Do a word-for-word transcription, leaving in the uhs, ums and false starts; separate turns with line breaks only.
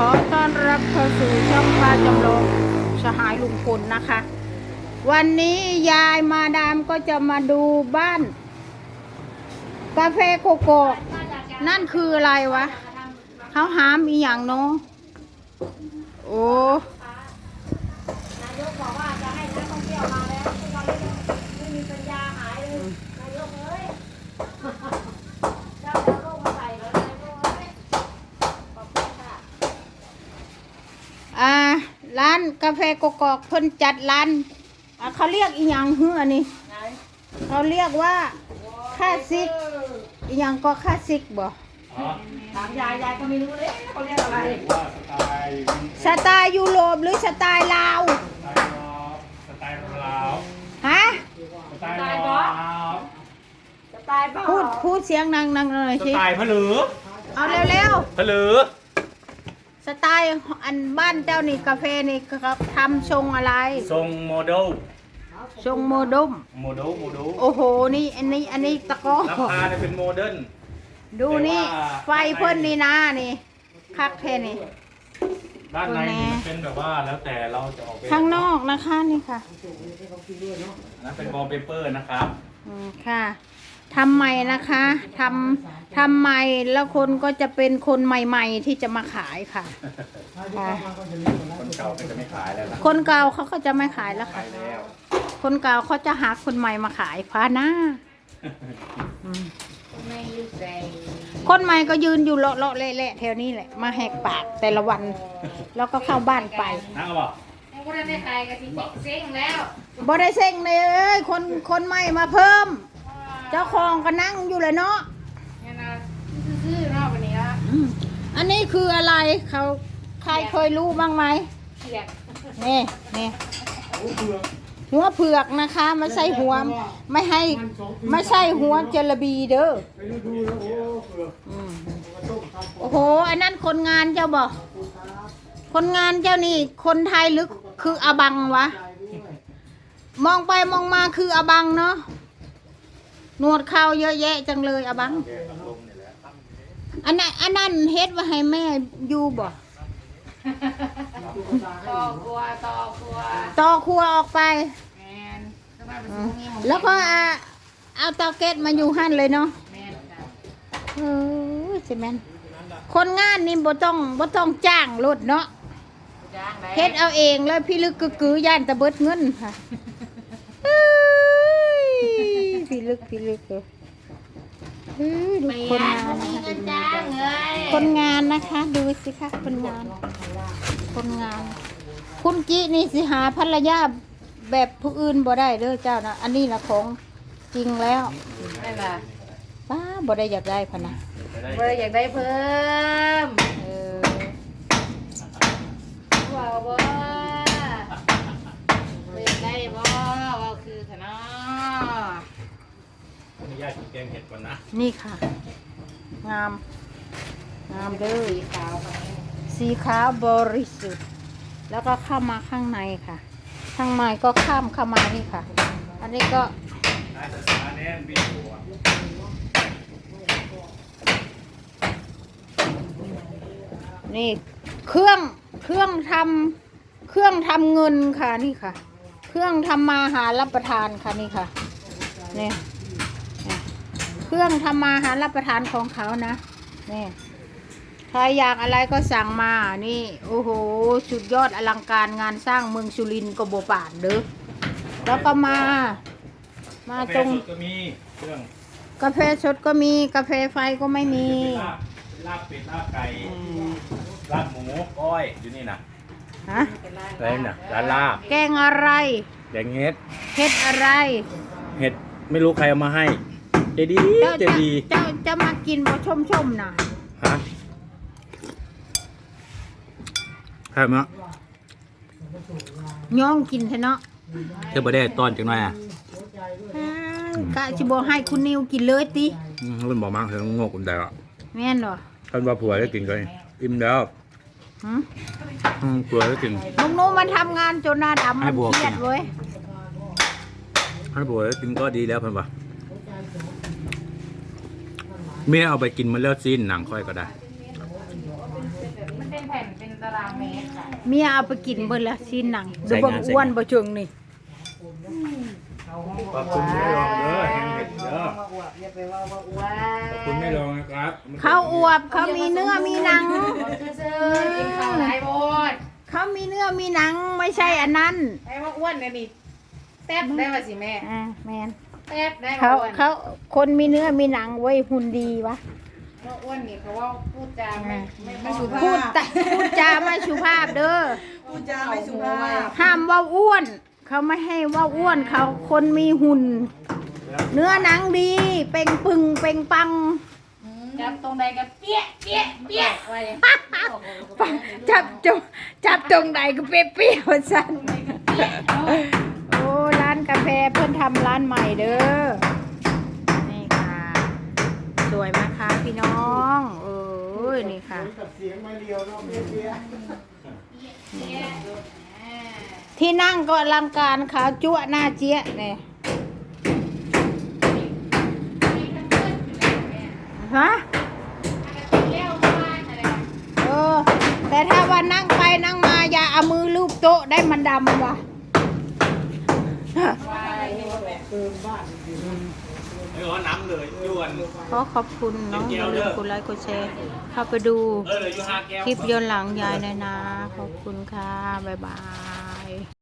อต้อนรับเข้าสู่ช่องพาจำลองสหายลุงพลนะคะ วันนี้ยายมาดามก็จะมาดูบ้านกาแฟโกโก้นั่นคืออะไรวะเขาหามอีหยังเนาะโอ้
นายกบอกว่าจะให้นักท่องเที่ยวมาแล้วทุกวันนี้ไม่มีปัญญาหายเลยนายกเอ้ยเจ้าเอาโรคมาใส่เลยนายกเอ้ยขอบคุณค่ะ
อ่าร้านกาแฟโกโก้เพิ่นจัดร้านอ่ะเขาเรียกอีหยังเฮือนี่
ไหน
เขาเรียกว่าคลาสสิกอีหยังก็คลาสสิกบ่
ถามยายยายก็ไม่รู้เลยเขาเรียกอะไร
ว่าสไตล์
สไตล์ยุโรปหรือสไตล์ลาว
สไตล์ลาว
ฮะ
สไตล์ลาว
สไตล์บ้า
พูดพูดเสียงดังดังหน่อย
ส
สิ
ไตล์พะลือ
เอาเร็ว
พะลือ
ๆสไตล์อันบ้านเจ้านี่กาแฟนี่เขาทำชงอะไร
ทรงโมเดล
ชงโมดม
โมเดลโมเดล
โอ้โหนี่อันนี้อันนี้ตะกอ
ราคาเนี่ยเป็นโมเดิร์น
ดูนี่
แต่ว่า
ไฟเพิ่นนี่นะนี่คักแค่นี่
ด้านในนี่มันเป็นแบบว่าแล้วแต่เราจะออกเป็น
ข้างนอกนะคะนี่ค่ะ
อันนั้นเป็นวอลเปเปอร์นะครับ
อืมค่ะทำใหม่นะคะทำทำใหม่แล้วคนก็จะเป็นคนใหม่ ๆ ที่จะมาขายค่ะค่ะ
คนเก่าก็จะไม่ขายแล้วล่ะ
คนเก่าเขาก็จะไม่ขายแล้ว
ขา
ค่ะ
ยแล้ว
คนเก่าเขาจะหาคนใหม่มาขายพาหน้าอืม
ไม่รู้ใจ
คนใหม่ก็ยืนอยู่เลาะเลาะเละๆแถวนี้แหละมาแหกปากแต่ละวัน แล้วก็เข้าบ้านไป
นะเอาเปล่า
ยังไม่ได้ขายกะทิเซ็งแล้ว
บ่ได้เซ็งเลยเอ้ยคนคนใหม่มาเพิ่ม เจ้าของก็นั่งอยู่เลยเนาะ
เนี่ยนะซื่อๆเนาะวันนี้ละ
อืมอันนี้คืออะไรเขาใครเคยรู้บ้างไหม
เขียด
นี่นี่หัวเผือกนะคะไม่ใช่หัวไม่ให้ไม่ใช่หัวเจลบีเด้ออืมโอ้โหอันนั้นคนงานเจ้าบอกคนงานเจ้านี่คนไทยหรือคืออบังวะมองไปมองมาคืออบังเนาะหนวดเขาเยอะแยะจังเลยอบัง
แกกับลมนี่แหละ
อันนั้นอันนั้นเฮ็ดไว้ให้แม่อยู่บ่
ต่อครัวต่อครัว
ต่อครัวออกไป
แมนสบายเป็น
อื
สิ่
ม
งนี้ของ
แล้วก็เอาเอาเตาแก๊สมาอยู่หั่นเลยเนาะ
แมนจ้ะ
เออใช่แม่นคนงานนี่บ่ต้องบ่ต้องจ้างรถเนาะ
จ้างได้
เฮ็ดเอาเองแล้วพี่ลึกกึกกือย่านตะเบิดเงินค่ะเอ้ยพี่ลึกพี่ลึกเออเออดู
ไม่
คน
ยาก
งาน
มี
นะคะ
เงินจ้างเลย
คนงานนะคะ ดูสิคะคนงาน คนงาน คุณจินี่สิหาภรรยาแบบผู้อื่นบ่ได้เด้อเจ้านะอันนี้นะของจริงแล้ว
นั่นล่ะ
ป้าบ่ได้อยากได้พะนะ
จะได้
เบอร์อยากได้เพิ่ม
เออ
ว้าวบ่เบอร์อยากได้บ่ว่าคือขนาด
ขออนุญาตกินแกงเห็ดก่อนนะ
นี่ค่ะ งาม งามเด้อ
สีขาวค่ะ
สีขาวบริสุทธิ์แล้วก็เข้ามาข้างในค่ะ ข้างในก็ข้ามเข้ามานี่ค่ะ อันนี้ก็
ได้ภาษาแน่นบินหัว
นี่เครื่องเครื่องทำเครื่องทำเงินค่ะนี่ค่ะ เครื่องทำมาหารับประทานค่ะนี่ค่ะนี่นี่เครื่องทำมาหารับประทานของเขานะนี่ใครอยากอะไรก็สั่งมานี่โอ้โหสุดยอดอลังการงานสร้างเมืองสุรินทร์ก็บ่ปานเด้อแล้วก็มา มาตรง
กาแฟสดก็มีเครื่อง
กาแฟสดก็มีกาแฟไฟก็ไม่มี
เป็นลาบเป็นลาบเป็ดลาบไก่
อืม
ลาบหมูก้อยอยู่นี่นะ
ฮะ
อะไรน่ะร้านลาบ
แกงอะไร
แดงเห็ด
เฮ็ดอะไร
เห็ดไม่รู้ใครเอามาให้เจดี
เจ้า
เจ
จะ
ดี
เจ้าจะมากินบ่ชมชมๆนะ
ฮะใช่ไหมะ
ย่องกินเถอะเนาะ
เธอบ่ได้ตอนจังหน่อยอ่ะ
อ่ากะสิบ่ให้คุณนิวกินเลยติ
อืมรุ่นบอกมากเธองกอุ่นแต่ละ
แม่นบ่
ท่านว่าผัวได้กินก็อิ่มแล้ว
หึ
อืมผัวได้กิน
ลุงหนูมันทำงานจนหน้าดำ
ให้
มัน
บวก
เครียด
กิน
เว้ย
ท่านผัวได้กินก็ดีแล้วเพิ่นว่าเมียเอาไปกินมาแล้วซีนหนังค่อยก็ได้
มันเป็นผผ่นเป็นตารางเมตรค่ะ
เมียเอาไปกินเบิดละชิ้นหนังดูเบิ่งอ้วนบ่เจิงนี่
ขอบคุณไม่ลองเด้อแห้งเห็ดเด้อ
มาอวบอย่าไปว่าว่าอ้วน
ขอบคุณไม่ลองนะครับ
เขาอวบเขามีเนื้อมีหนัง
ซื่อๆกินข้าวหลายโบด
เขามีเนื้อมีหนังไม่ใช่อันนั้น
ไอ้ว่าอ้วนเนี่ยนี่แซ่บได้ป่ะสิแม่
อ่าแมน
แซ่บได้
เขา
ว่าอ้วน
เขาคนมีเนื้อมีหนังไว้ยหุ่นดีวะ
ว่าอ้วนนี่เขาว่าพูดจาไม่ไม่ไม่สุภาพ
พูดตะพูดจาไม่สุภาพเด้อ
พูดจาไม่สุภาพ
ห้ามว่าอ้วน เขาไม่ให้ว่าอ้วนเขาคนมีหุ่น เนื้อหนังดี เป่งปึงเป่งปัง
จับตรงใดกับเปี้ยเปี้ยเปี้ยไว้
จับจงจับตรงไหนก็เปรี้ยวๆสันโอ้ร้านกาแฟเพื่อนทำร้านใหม่เด้อนี่ค่ะ สวยไหมคะพี่น้องเอ้ยนี่ค่ะ ที่นั่งก็อลังการขาวจั่วหน้าเจี๊ยะเนี่ยฮะเออแต่ถ้าว่านั่งไปนั่งมาอย่าเอามือลูบโต๊ะได้มันดำว่ะ
ไม่ร้อนน้ำเลยยวน
ขอขอบคุณเนาะอย่าลืมกดไลค์กดแชร์เข้าไปดู
เออเลยอยู่ห้าแก้ว
คลิปย้อนหลังยายหนอยนะ ขอบคุณค่ะ บ๊ายบาย